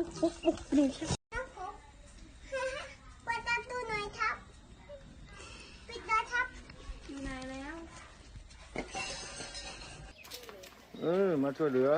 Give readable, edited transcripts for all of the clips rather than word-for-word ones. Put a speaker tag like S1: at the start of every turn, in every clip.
S1: ปุ๊บปุ๊บนี่ครับ
S2: เปิดประตูหน่อยครับปิดเลยครับอยู่ไหนแล้ว
S3: มาช่วยเหลือ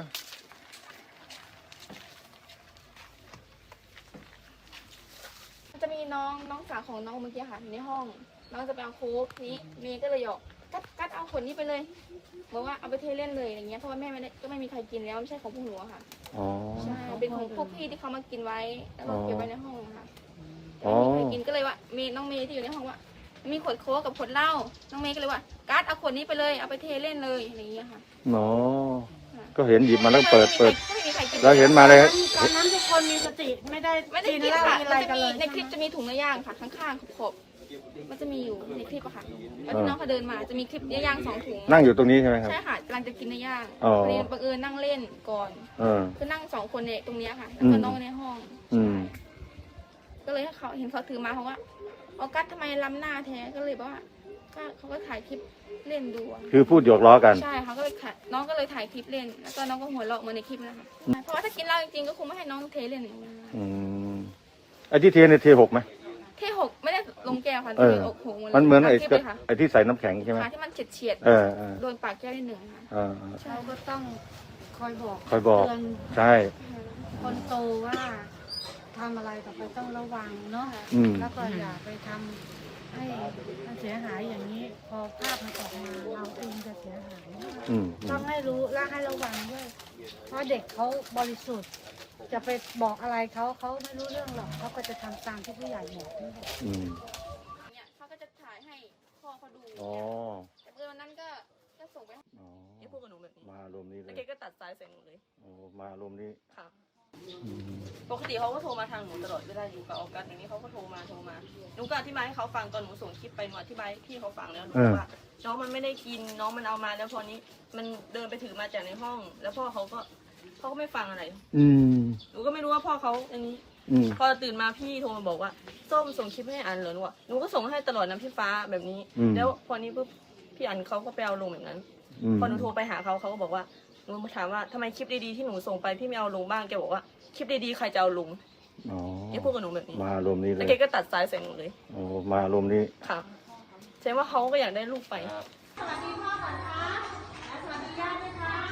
S1: จะมีน้องสาวของน้องเมื่อกี้ค่ะอยู่ในห้องน้องจะไปเอาโค้กนี้เมย์ก็เลยหยอกกัดเอาขวดนี้ไปเลยบอกว่าเอาไปเทเล่นเลยอย่างเงี้ยเพราะว่าแม่ไม่ได้ก็ไม่มีใครกินแล้วไม่ใช่ของพวกหนูค่ะ
S3: อ๋อ
S1: ใช่เป็นของพวกพี่ที่เขามากินไว้แล้วก็เก็บไว้ในห้องค่ะไม่มีใครกินก็เลยว่าน้องเมย์ที่อยู่ในห้องว่ามีขวดโค้กกับขวดเหล้าน้องเมย์ก็เลยว่ากัดเอาขวดนี้ไปเลยเอาไปเทเล่นเลยอะไรอย่างเงี้ยค่ะ
S3: อ๋อก็เห็นหยิบมาแล้วเปิด
S1: แล้ว
S3: เห็นมาเลย
S4: ตอนนั้นทุกคนมีสติไม่ได้
S1: กินค่ะมันจะมีในคลิปจะมีถุงเนื้อย่างค่ะข้างๆขอบมันจะมีอยู่ในคลิปอะค่ะแล้วที่น้องเขาเดินมาจะมีคลิปเนื้อย่าง2 ถุง
S3: นั่งอยู่ตรงนี้ใช่ไหมครับ
S1: ใช่ค่ะกำลังจะกินเนื้อย่างพอดีบังเอิญนั่งเล่นก่อนคือนั่ง2 คนเนี่ยตรงนี้ค่ะแล้วก็น้องในห้องก็เลยให้เขาเห็นเขาถือมาเขาว่าออกัสทำไมล้ำหน้าแท้ก็เลยบอกว่าเขาก็ถ่ายคลิปเล่นดู
S3: คือพูดหยอกล้อกัน
S1: ใช่เขาก็เลยน้องก็เลยถ่ายคลิปเล่นแล้วก็น้องก็หัวเราะเหมือนในคลิปนะคะเพราะว่าถ้ากินเหล้าจริงๆก็คงไม่ให้น้องเทเล่นอย่างนี้
S3: ไอ้ที่เทเนี่ยเทหกไหม
S1: เทหกไม่ได้ลงแก้วค่ะเทหก
S3: มันเหมือนไอ้ที่ใส่น้ำแข็งใช่ไหม
S1: ที่มันเฉียดโดนปากแก้วได้1ค่ะ
S4: เราก็ต้องคอยบอก
S3: เตือนใช่
S4: คนโตว่าทำอะไรต่อไปต้องระวังเนาะแล้วก็อย่าไปทำให้มันเสียหายอย่างนี้พอภาพมันออกมาเราเองจะเสียหายต้องให้รู้และให้ระวังด้วยเพราะเด็กเขาบริสุทธิ์จะไปบอกอะไรเขาไม่รู้เรื่องหรอกเขาก็จะทำตามที่ผู้ใหญ่บอกนี่แหละ
S1: เนี่ยเขาก็จะถ่ายให้พ่อเขาดูแต่วันนั้นก็ส่งไป
S5: นี่พูดกับหนูแบบนี้
S3: มารวมนี้เลย
S5: แล้วแกก็ตัดสายใส่หนูเลย
S3: มารวมนี้
S5: ค่ะปกติเขาก็โทรมาทางหนูตลอดเวลาอยู่กับออกัสอย่างนี้เขาก็โทรมาหนูก็อธิบายให้เขาฟังตอนหนูส่งคลิปไปหนูอธิบายพี่เขาฟังแล้วหนูบอกว่าน้องมันไม่ได้กินน้องมันเอามาแล้วพอนี้มันเดินไปถือมาจากในห้องแล้วพ่อเขาก็ไม่ฟังอะไรหนูก็ไม่รู้ว่าพ่อเขาอย่างนี้พอตื่นมาพี่โทรมาบอกว่าส้มส่งคลิปให้อันเหรอหนูก็ส่งให้ตลอดนะพี่ฟ้าแบบนี้แล้วพอนี้ปุ๊บพี่อันเขาก็ไปเอาลงแบบนั้นพอหนูโทรไปหาเขาก็บอกว่าหนูถามว่าทำไมคลิปดีๆที่หนูส่งไปพี่ไม่เอาลงบ้างแกบอกว่าคลิปดีๆใครจะเอาลงแกพูดกับหนูแบบนี้
S3: มารวมนี้เลย
S5: แล้วแกก็ตัดสายใส่หนูเลย
S3: มารวมนี้
S5: ค่ะแสดงว่าเขาก็อยากได้ลูกไป
S2: สวัสดีพ่อก่อนคะสวัสดีญาติด้วยคะ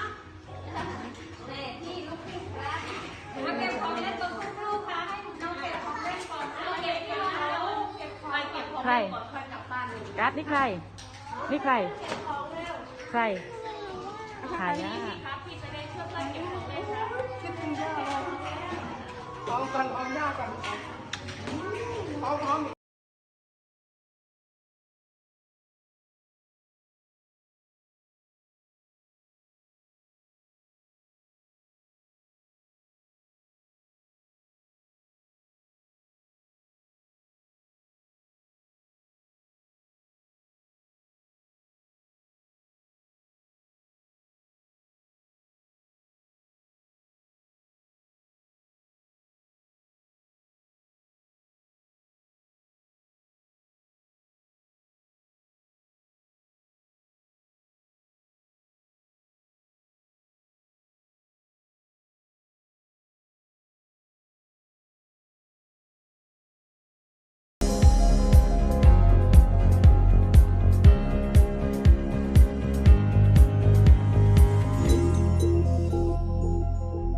S2: มาเก็บของเล่นตัวคู่ๆค่ะให้น้องเก็บของเล่นก่อนเก็บของใคร
S6: กัดนี่ใครใครใครหายา
S2: พี่จะได้ช่วยเพื่อนเก็บของเล่นนะ
S4: คิดถึงย่าเราเอากันเอาย่ากันเอา